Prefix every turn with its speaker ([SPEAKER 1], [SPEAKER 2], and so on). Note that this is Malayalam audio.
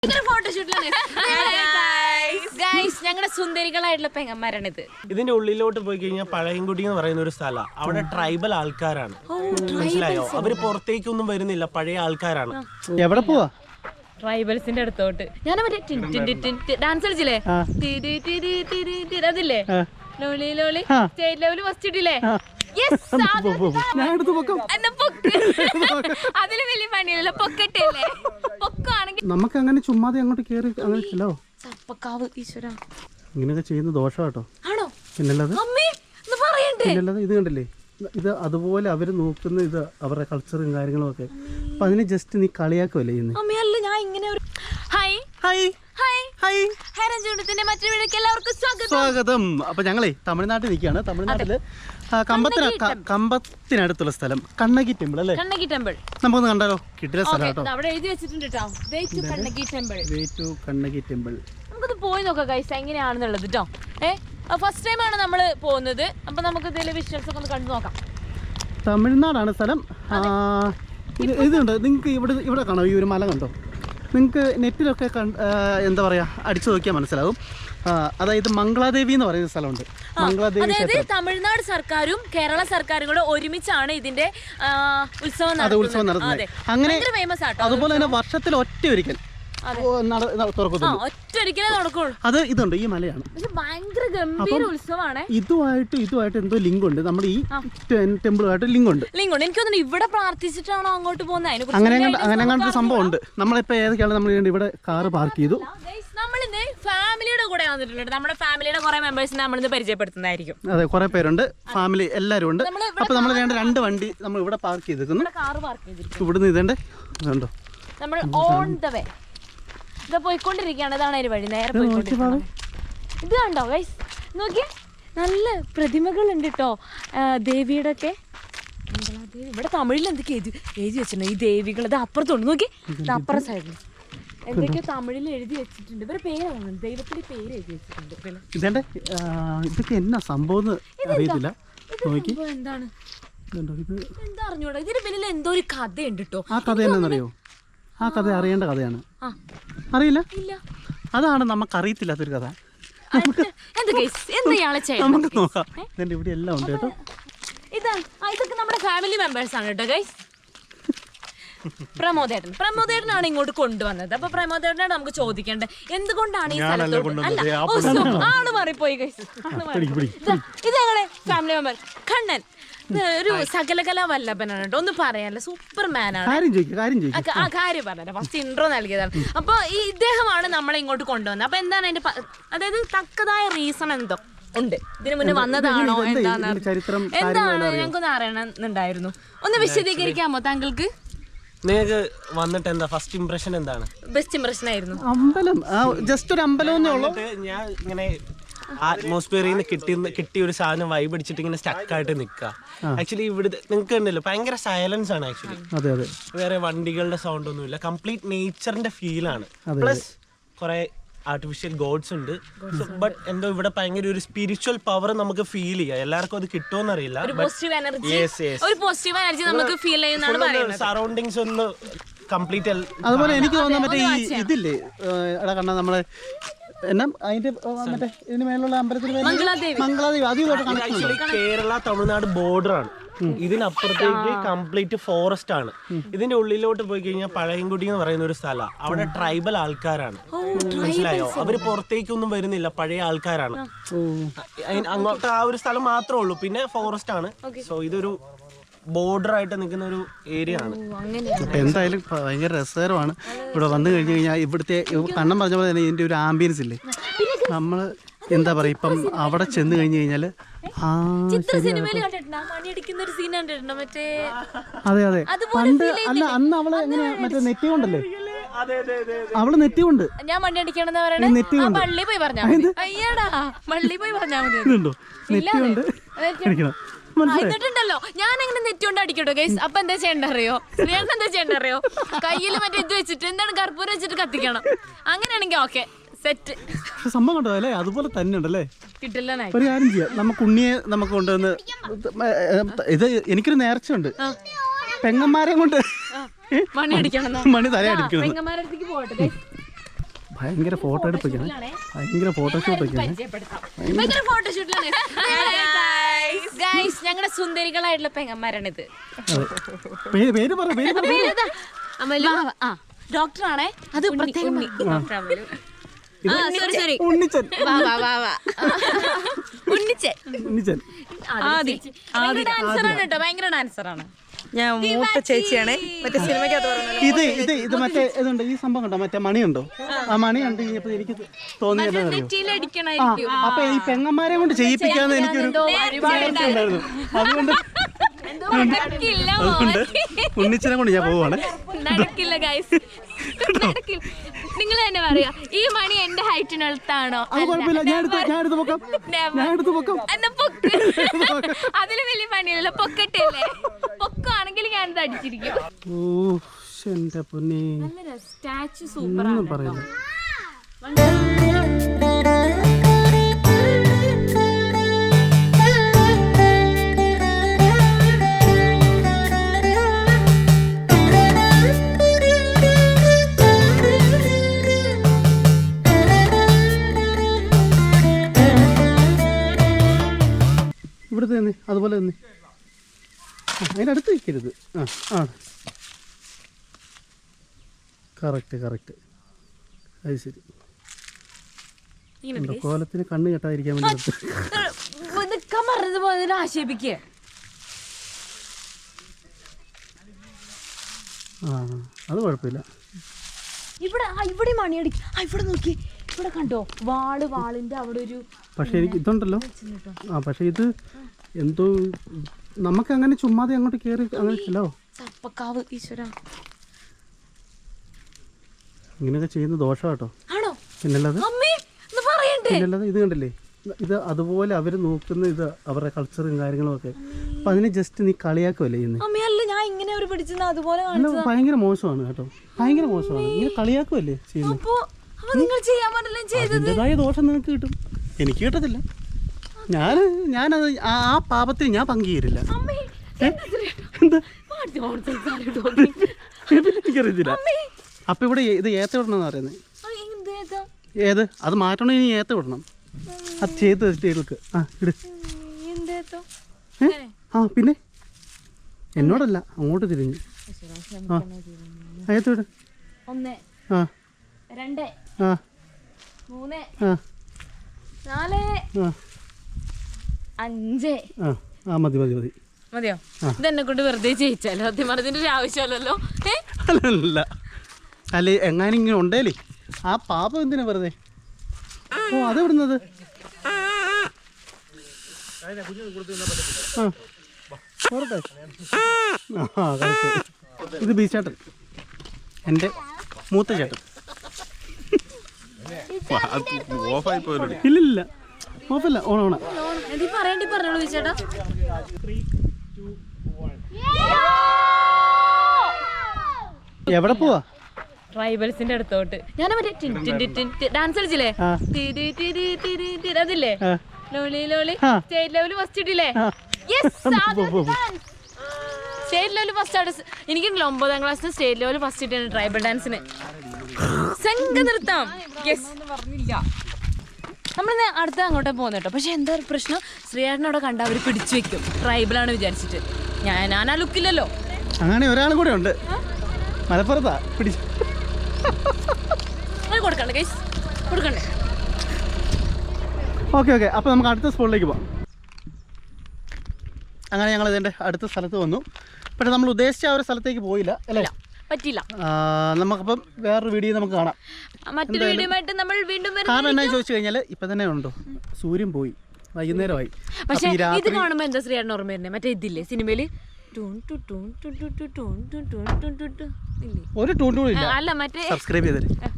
[SPEAKER 1] ഞങ്ങളുടെ സുന്ദരികളായിട്ടുള്ള പെങ്ങന്മാരാണിത്.
[SPEAKER 2] ഇതിന്റെ ഉള്ളിലോട്ട് പോയി കഴിഞ്ഞാൽ പഴയൻകുടി എന്ന് പറയുന്ന ഒരു സ്ഥലം. അവിടെ ട്രൈബൽ ആൾക്കാരാണ്, മനസ്സിലായോ? അവര് പുറത്തേക്കൊന്നും വരുന്നില്ല, പഴയ ആൾക്കാരാണ്.
[SPEAKER 3] എവിടെ പോവാ?
[SPEAKER 1] ട്രൈബൽസിന്റെ അടുത്തോട്ട്. ഞാൻ മറ്റേ ഡാൻസ് കളിച്ചില്ലേ, അതില്ലേ ലോളി ലോളി സ്റ്റേറ്റ് ലെവല് ഫസ്റ്റ് ഇട്ടില്ലേ? അതില് വലിയ പണിയല്ലോ, പൊക്കട്ടല്ലേ? പൊക്കാണെങ്കിൽ
[SPEAKER 3] നമുക്ക് അങ്ങനെ ചുമ്മാതെ അങ്ങോട്ട് കേറി അങ്ങനെ ചെല്ലോ.
[SPEAKER 1] ചപ്പക്കാവ് ഈശ്വര
[SPEAKER 3] ഇങ്ങനെയൊക്കെ ചെയ്യുന്ന ദോഷം കേട്ടോ.
[SPEAKER 1] ആണോ?
[SPEAKER 3] പിന്നല്ലാതെ
[SPEAKER 1] പറയണ്ടേ?
[SPEAKER 3] ഇത് കണ്ടില്ലേ, ഇത് അതുപോലെ അവര് നോക്കുന്ന ഇത് അവരുടെ കൾച്ചറും കാര്യങ്ങളും ഒക്കെ. അപ്പൊ അതിന് ജസ്റ്റ് നീ കളിയാക്കുമല്ലേ ഇന്ന്?
[SPEAKER 1] അമ്മയല്ല, ഞാൻ ഇങ്ങനെ ഒരു ഹായ് ഹായ് ഹായ് ഹായ് ഹരഞ്ചൂണ്ടത്തിന്റെ മറ്റൊരു വീഡിയോക്ക് എല്ലാവർക്കും
[SPEAKER 3] സ്വാഗതം. അപ്പൊ ഞങ്ങളെ തമിഴ്നാട്ടിൽ നിൽക്കുകയാണ്. തമിഴ്നാട്ടില് കമ്പത്തിനടുത്തുള്ള സ്ഥലം കണ്ണകി ടെമ്പിൾ അല്ലേ?
[SPEAKER 1] കണ്ണകി ടെമ്പിൾ
[SPEAKER 3] നമുക്കൊന്ന് കണ്ടാലോ? കിട്ടിയ സ്ഥലം കേട്ടോ.
[SPEAKER 1] അവിടെ എഴുതി വെച്ചിട്ടുണ്ട് കേട്ടോ, way to Kannaki temple.
[SPEAKER 3] Way to Kannaki temple.
[SPEAKER 1] നമുക്കത് പോയി നോക്കാം ഗൈസ് എങ്ങനെയാണെന്നുള്ളത് കേട്ടോ. ഫസ്റ്റ് ടൈം ആണ് നമ്മള് പോകുന്നത്. അപ്പൊ നമുക്ക് ഇതിലെ വിഷ്വൽസ് ഒക്കെ ഒന്ന് കണ്ടു നോക്കാം.
[SPEAKER 3] തമിഴ്നാടാണ് സ്ഥലം. ഇതുണ്ട് നിങ്ങൾക്ക് ഇവിടെ കാണോ? ഈ ഒരു മല കണ്ടോ? നിങ്ങൾക്ക് നെറ്റിലൊക്കെ എന്താ പറയുക, അടിച്ചു നോക്കിയാൽ മനസ്സിലാവും. അതായത് മംഗളാദേവി എന്ന് പറയുന്ന സ്ഥലമുണ്ട്.
[SPEAKER 1] അതായത് തമിഴ്നാട് സർക്കാരും കേരള സർക്കാരും കൂടെ ഒരുമിച്ചാണ് ഇതിന്റെ ഉത്സവം
[SPEAKER 3] നടത്തുന്നത്. അങ്ങനെ അതുപോലെ തന്നെ വർഷത്തിൽ ഒറ്റയൊരിക്കൽ
[SPEAKER 1] ഒറ്റൊരിക്കലേ നടക്കുള്ളൂ.
[SPEAKER 3] അത് ഇതുണ്ട്, ഈ മലയാണ്.
[SPEAKER 1] ഭയങ്കര ഗംഭീര ഉത്സവമാണ്.
[SPEAKER 3] ഇതുമായിട്ട് എന്തോ ലിങ്ക് ഉണ്ട്. നമ്മുടെ ഈ ടെമ്പിളുമായിട്ട് ലിങ്ക് ഉണ്ട്.
[SPEAKER 1] എനിക്ക് തോന്നുന്നു ഇവിടെ പ്രാർത്ഥിച്ചിട്ടാണോ അങ്ങോട്ട് പോകുന്നത്.
[SPEAKER 3] അങ്ങനെ സംഭവം ഉണ്ട്. നമ്മളിപ്പോ ഏതൊക്കെയാണ് നമ്മൾ ഇവിടെ കാറ് പാർക്ക് ചെയ്തു.
[SPEAKER 1] നമ്മളിന്ന് ഫാമിലിയുടെ കൂടെ വന്നിട്ടുണ്ട്. നമ്മുടെ ഫാമിലിയുടെ കുറെ മെമ്പേഴ്സിനെ നമ്മളിന്ന് പരിചയപ്പെടുത്തുന്നതായിരിക്കും.
[SPEAKER 3] അതെ, കുറെ പേരുണ്ട്, ഫാമിലി എല്ലാവരും ഉണ്ട്. അപ്പൊ നമ്മൾ രണ്ട് വണ്ടി നമ്മൾ ഇവിടെ പാർക്ക് ചെയ്തിരിക്കുന്നു. ഇവിടുന്ന് ഇതേണ്ടോ
[SPEAKER 1] നമ്മൾ ഓൺ ദ വേ ഇത് പോയിക്കൊണ്ടിരിക്കുകയാണ്. ഇതാണ് ഒരു വഴി, നേരെ പോയിക്കൊണ്ടിരിക്കുന്നത്. ഇത് കണ്ടോ ഗൈസ്, നോക്കിയേ, നല്ല പ്രതിമകളുണ്ട് കേട്ടോ ദേവിയുടെ ഒക്കെ. ഇവിടെ തമിഴിൽ എന്തൊക്കെ എഴുതി വെച്ചിട്ടുണ്ട് ഈ ദേവികൾ. ഇത് അപ്പുറത്തുണ്ട്, നോക്കി, ഇത് അപ്പുറം സൈഡിൽ എന്തൊക്കെയോ തമിഴിൽ എഴുതി വെച്ചിട്ടുണ്ട്. ഇവരുടെ പേരാണ്, ദൈവത്തിന്റെ പേര് എഴുതി വെച്ചിട്ടുണ്ട്.
[SPEAKER 3] ഇതേണ്ടേ, ഇതൊക്കെ എന്നാ സംഭവം അറിയത്തില്ല.
[SPEAKER 1] എന്താണ് എന്താ അറിഞ്ഞൂടാ. ഇതിന് പിന്നിൽ എന്തോ ഒരു കഥയുണ്ട് കേട്ടോ.
[SPEAKER 3] ആ കഥ എന്നാന്നറിയോ? ആ കഥ അറിയേണ്ട കഥയാണ്. അറിയില്ല? അതാണ് നമുക്ക് അറിയത്തില്ലാത്തൊരു കഥ. നമുക്ക് നോക്കാം. ഇതിന്റെ ഇവിടെ എല്ലാം ഉണ്ട് കേട്ടോ.
[SPEAKER 1] ഇതൊക്കെ നമ്മുടെ ഫാമിലി മെമ്പേഴ്സ് ആണ് കേട്ടോ ഗൈസ്. പ്രമോദേട്ടനാണ് ഇങ്ങോട്ട് കൊണ്ടുവന്നത്. അപ്പൊ പ്രമോദേട്ടനാണ് നമുക്ക് ചോദിക്കേണ്ടത് എന്തുകൊണ്ടാണ് ഈ സ്ഥലത്തോട്ട്. അല്ല, ആള് മാറിപ്പോയി ഗൈസ്. ഇത് ഞങ്ങളുടെ ഫാമിലി മെമ്പർ കണ്ണൻ. ഒരു സകലകലാ വല്ലഭനാണ് കേട്ടോ. ഒന്നും പറയാനല്ല, സൂപ്പർ മാനാണ്. ആ കാര്യം പറഞ്ഞല്ലോ, ഫസ്റ്റ് ഇൻട്രോ നൽകിയതാണ്. അപ്പൊ ഇദ്ദേഹമാണ് നമ്മളെ ഇങ്ങോട്ട് കൊണ്ടുവന്നത്. അപ്പൊ എന്താണ് അതിന്റെ, അതായത് തക്കതായ റീസൺ എന്തോ ഉണ്ട്. ഇതിനു മുന്നേ വന്നതാണോ എന്താണ് ഞങ്ങൾക്കൊന്ന് അറിയണമെന്നുണ്ടായിരുന്നു. ഒന്ന് വിശദീകരിക്കാമോ താങ്കൾക്ക്?
[SPEAKER 2] നിങ്ങൾക്ക് വന്നിട്ട് എന്താ ഫസ്റ്റ് ഇംപ്രഷൻ? എന്താണ്
[SPEAKER 1] ബെസ്റ്റ് ഇംപ്രഷൻ ആയിരുന്നു?
[SPEAKER 3] അമ്പലം, ജസ്റ്റ് ഒരു അമ്പലം.
[SPEAKER 2] ഞാൻ ഇങ്ങനെ അറ്റ്മോസ്ഫിയറിൽ നിന്ന് കിട്ടിയ ഒരു സാധനം വൈബ് അടിച്ചിട്ട് ഇങ്ങനെ സ്റ്റക്കായിട്ട് നിൽക്കുക. ആക്ച്വലി ഇവിടെ നിങ്ങൾക്ക് ഉണ്ടല്ലോ ഭയങ്കര സൈലൻസ് ആണ്. ആക്ച്വലി വേറെ വണ്ടികളുടെ സൗണ്ട് ഒന്നുമില്ല, കംപ്ലീറ്റ് നേച്ചറിന്റെ ഫീലാണ്. പ്ലസ് കുറെ ആർട്ടിഫിഷ്യൽ ഗോഡ്സ് ഉണ്ട്. ബട്ട് എന്തോ ഇവിടെ ഭയങ്കര ഒരു സ്പിരിച്വൽ പവർ നമുക്ക് ഫീൽ ചെയ്യാം. എല്ലാവർക്കും അത് കിട്ടുമെന്ന് അറിയില്ല. സറൗണ്ടിങ്സ് ഒന്ന് കംപ്ലീറ്റ്. അതുപോലെ
[SPEAKER 3] എനിക്ക് തോന്നുന്ന മറ്റേ ഈ ഇതില്ലേ എടാ കണ്ണ നമ്മളെ എന്നാ അതിന്റെ മറ്റേ ഇതിന് മേലുള്ള അമ്പലത്തിന് മംഗളാദേവി,
[SPEAKER 2] ആക്ച്വലി കേരള തമിഴ്നാട് ബോർഡർ ആണ്. ഇതിനപ്പുറത്തേക്ക് കംപ്ലീറ്റ് ഫോറസ്റ്റ് ആണ്. ഇതിന്റെ ഉള്ളിലോട്ട് പോയി കഴിഞ്ഞാൽ പഴയൻകുടി എന്ന് പറയുന്ന ഒരു സ്ഥലം. അവിടെ ട്രൈബൽ ആൾക്കാരാണ്, മനസ്സിലായോ? അവര് പുറത്തേക്കൊന്നും വരുന്നില്ല, പഴയ ആൾക്കാരാണ്. അങ്ങോട്ട് ആ ഒരു സ്ഥലം മാത്രമേ ഉള്ളൂ, പിന്നെ ഫോറസ്റ്റ് ആണ്. സോ ഇതൊരു ബോർഡർ ആയിട്ട് നിൽക്കുന്ന ഒരു ഏരിയ ആണ്.
[SPEAKER 3] എന്തായാലും ഭയങ്കര രസകരമാണ് ഇവിടെ വന്നു കഴിഞ്ഞു കഴിഞ്ഞാൽ. ഇവിടുത്തെ കണ്ണം പറഞ്ഞ പോലെ തന്നെ ഇതിന്റെ ഒരു ആംബിയൻസ് ഇല്ലേ, നമ്മള് എന്താ പറയാ, ഇപ്പം അവിടെ ചെന്ന് കഴിഞ്ഞു കഴിഞ്ഞാല് അതെ അതെ പണ്ട് അല്ല അന്ന് അവള് എങ്ങനെ മറ്റേ നെറ്റി കൊണ്ടല്ലേ, അവള് നെറ്റി കൊണ്ട്
[SPEAKER 1] ഞാൻ വണ്ടി അടിക്കണെന്ന് പറയണേ. പള്ളി പോയി പറഞ്ഞാ പള്ളി പോയി പറഞ്ഞാ മതി.
[SPEAKER 3] നെറ്റി കൊണ്ട് അടിക്കണം.
[SPEAKER 1] എന്നിട്ടുണ്ടല്ലോ ഞാൻ എങ്ങനെ നെറ്റ് കൊണ്ട് അടിക്കട്ടോ ഗൈസ്. അപ്പൊ എന്താ ചെയ്യണ്ടറിയോ? ഞങ്ങൾക്ക് എന്താ ചെയ്യണ്ടറിയോ? കയ്യിൽ മറ്റേ ഇത് വെച്ചിട്ട് എന്താണ് കർപ്പൂരം വെച്ചിട്ട് കത്തിക്കണം. അങ്ങനെയാണെങ്കിൽ ഓക്കെ, സെറ്റ്
[SPEAKER 3] സംഭവം കണ്ടോ അല്ലേ? അതുപോലെ തന്നെ ഉണ്ടല്ലേ.
[SPEAKER 1] കിട്ടില്ല.
[SPEAKER 3] ഒരു കാര്യം ചെയ്യാം, നമുക്ക് ഉണ്ണിയെ നമുക്ക് കൊണ്ടുവന്ന് ഇത് എനിക്കൊരു നേർച്ചയുണ്ട്, പെങ്ങന്മാരെ കൊണ്ട്
[SPEAKER 1] മണി അടിക്കണം,
[SPEAKER 3] മണി തല അടിക്കണം.
[SPEAKER 1] പെങ്ങന്മാരുടെ അടുത്തേക്ക് പോകട്ടെ.
[SPEAKER 3] ഭയങ്കര ഫോട്ടോ എടുപ്പിക്കാണ്, ഭയങ്കര ഫോട്ടോഷൂട്ടൊക്കെയാണ്.
[SPEAKER 1] ഞങ്ങളുടെ സുന്ദരികളായിട്ടുള്ള പെങ്ങന്മാരാണിത്.
[SPEAKER 3] പേര് പറ,
[SPEAKER 1] ഡോക്ടറാണേ, അത് പ്രത്യേകം
[SPEAKER 3] ഉണ്ണിച്ചൻ.
[SPEAKER 1] ഡാൻസറാണ് കേട്ടോ, ഭയങ്കര ഡാൻസറാണ്.
[SPEAKER 4] ഞാൻ മൂത്ത ചേച്ചിയാണ്. മറ്റേ സിനിമയ്ക്കകത്ത് പറഞ്ഞത്
[SPEAKER 3] ഇത് മറ്റേ ഇതുണ്ട്, ഈ സംഭവം കണ്ടോ, മറ്റേ മണിയുണ്ടോ? ആ മണി കണ്ടു കഴിഞ്ഞപ്പോ എനിക്ക് തോന്നിയത് അപ്പൊ ഈ പെങ്ങന്മാരെ കൊണ്ട് ചെയ്യിപ്പിക്കാന്ന് എനിക്കൊരു ഉണ്ടായിരുന്നു. അതുകൊണ്ട് ഉണ്ണിച്ചനെ കൊണ്ട് ഞാൻ പോവാണ്.
[SPEAKER 1] നടക്കില്ല ഗൈസ്, നിങ്ങൾ തന്നെ പറയാ, ഈ മണി എന്റെ ഹൈറ്റിനടുത്താണോ?
[SPEAKER 3] അത് കുഴപ്പമില്ല, ഞാൻ എടുത്ത് പൊക്കാം.
[SPEAKER 1] അതില് വലിയ പണിയല്ലോ, പൊക്കട്ടല്ലേ. പൊക്കാണെങ്കിൽ ഞാനിത് അടിച്ചിരിക്കും.
[SPEAKER 3] ഓ എന്റെ പൊന്നേ,
[SPEAKER 1] സ്റ്റാച്ചു സൂപ്പർ
[SPEAKER 3] ഒന്നും പറയില്ല. ഇവിടുത്തെ തന്നെ അതുപോലെ തന്നെ, അതിൻ്റെ അടുത്ത് വയ്ക്കരുത്. ആ കറക്റ്റ്. അത് ശരി. കോലത്തിന് കണ്ണ് കെട്ടാതിരിക്കാൻ വേണ്ടി
[SPEAKER 1] ആക്ഷേപിക്കേ.
[SPEAKER 3] അത് കുഴപ്പമില്ല.
[SPEAKER 1] ഇവിടെ മണിയടിക്കും. ഇവിടെ നോക്കി, ഇവിടെ കണ്ടോ വാളിന്റെ അവിടെ ഒരു.
[SPEAKER 3] പക്ഷെ എനിക്ക് ഇതുണ്ടല്ലോ, പക്ഷെ ഇത് എന്തോ നമുക്ക് അങ്ങനെ ചുമ്മാതെ അങ്ങോട്ട് കയറി അങ്ങനെ ചെല്ലോ.
[SPEAKER 1] ചപ്പക്കാവ് ഈശ്വര,
[SPEAKER 3] ഇങ്ങനെയൊക്കെ ചെയ്യുന്ന ദോഷം കേട്ടോ.
[SPEAKER 1] പിന്നല്ലാതെ
[SPEAKER 3] ഇത് കണ്ടില്ലേ, ഇത് അതുപോലെ അവർ നോക്കുന്ന ഇത് അവരുടെ കൾച്ചറും കാര്യങ്ങളും ഒക്കെ. അപ്പൊ അതിനെ ജസ്റ്റ് നീ കളിയാക്കുമല്ലേ ചെയ്യുന്നത്? ഭയങ്കര മോശമാണ് കേട്ടോ, ഭയങ്കര മോശമാണ്. ഇങ്ങനെ കളിയാക്കുമല്ലേ ചെയ്യുന്നത്? അതിൻ്റെതായ ദോഷം നിനക്ക് കിട്ടും, എനിക്ക് കിട്ടത്തില്ല. ഞാനത് ആ പാപത്തിൽ ഞാൻ പങ്കുചേരില്ല. എനിക്കറിയത്തില്ല. അപ്പൊ ഇവിടെ ഇത് ഏത്ത വിടണമെന്ന് പറയുന്നത്. ഏത് അത് മാറ്റണം, ഇനി ഏത്ത വിടണം. അത് ചെയ്ത് വെച്ചിട്ട് ഇട്. പിന്നെ എന്നോടല്ല, അങ്ങോട്ട് തിരിഞ്ഞു. ഏത്ത വിട്.
[SPEAKER 1] 1 2 3 4 5.
[SPEAKER 3] മതി
[SPEAKER 1] മതിയോ? ഇതെന്നെ കൊണ്ട് വെറുതെ ചെയ്യിച്ചാലോ? സത്യം പറഞ്ഞതിന്റെ ഒരു ആവശ്യമല്ലല്ലോ.
[SPEAKER 3] അല്ല എങ്ങാനും ഇങ്ങനെ ഉണ്ടേലേ ആ പാപം എന്തിനാ വെറുതെ? ഓ അത് വിടുന്നത്. ഇത് ബി ചേട്ടൻ, എൻ്റെ മൂത്ത ചേട്ടൻ. ഇല്ല ഓഫല്ല, ഓണ
[SPEAKER 1] പറഞ്ഞോളൂ ചേട്ടാ.
[SPEAKER 3] എവിടെ പോവാ?
[SPEAKER 1] ട്രൈബൽസിന്റെ അടുത്തോട്ട്. ഞാൻ മറ്റേ ഡാൻസ് കളിച്ചില്ലേ, അതില്ലേ ലോളി ലോളി, സ്റ്റേറ്റ് ലെവൽ ഫസ്റ്റ് ഇട്ടില്ലേ? സ്റ്റേറ്റ് ലെവൽ ഫസ്റ്റ് ആണ്. എനിക്കുണ്ടല്ലോ 9ാം ക്ലാസ്സിന് സ്റ്റേറ്റ് ലെവൽ ഫസ്റ്റ് ഇട്ടാണ് ട്രൈബൽ ഡാൻസിന്. സംഘ നൃത്തം. നമ്മളിന്ന് അടുത്ത അങ്ങോട്ടേ പോകുന്ന കേട്ടോ. പക്ഷെ എന്താ ഒരു പ്രശ്നം, ശ്രീയേട്ടനെ അവിടെ കണ്ട അവർ പിടിച്ചു വെക്കും, ട്രൈബലാണ് വിചാരിച്ചിട്ട്. ഞാൻ ആ ലുക്കില്ലല്ലോ.
[SPEAKER 3] അങ്ങനെ ഒരാൾ കൂടെ ഉണ്ട് മലപ്പുറത്താ പിടിച്ചു.
[SPEAKER 1] കൊടുക്കണ്ടേ ഗൈസ്, കൊടുക്കണ്ടേ?
[SPEAKER 3] ഓക്കെ അപ്പോൾ നമുക്ക് അടുത്ത സ്പോട്ടിലേക്ക് പോകാം. അങ്ങനെ ഞങ്ങൾ ഇതിൻ്റെ അടുത്ത സ്ഥലത്ത് വന്നു. പക്ഷേ നമ്മൾ ഉദ്ദേശിച്ച ആ ഒരു സ്ഥലത്തേക്ക് പോയില്ല, അല്ലേ?
[SPEAKER 1] പറ്റില്ല.
[SPEAKER 3] നമുക്കപ്പം വേറൊരു വീഡിയോ നമുക്ക് കാണാം.
[SPEAKER 1] മറ്റൊരു വീഡിയോയുമായിട്ട് നമ്മൾ വീണ്ടും വരും.
[SPEAKER 3] കാരണം എന്നാ ചോദിച്ചു കഴിഞ്ഞാൽ ഇപ്പം തന്നെ ഉണ്ടോ, സൂര്യൻ പോയി, വൈകുന്നേരമായി.
[SPEAKER 1] പക്ഷേ ഇത് കാണുമ്പോൾ എന്താ ശ്രീയേട്ടൻ ഓർമ്മ വരുന്നത്? മറ്റേ ഇതില്ലേ സിനിമയിൽ ഒരു ടൂൺ ഇല്ല.
[SPEAKER 3] അല്ല മറ്റേ
[SPEAKER 1] സബ്സ്ക്രൈബ്
[SPEAKER 3] ചെയ്തേ.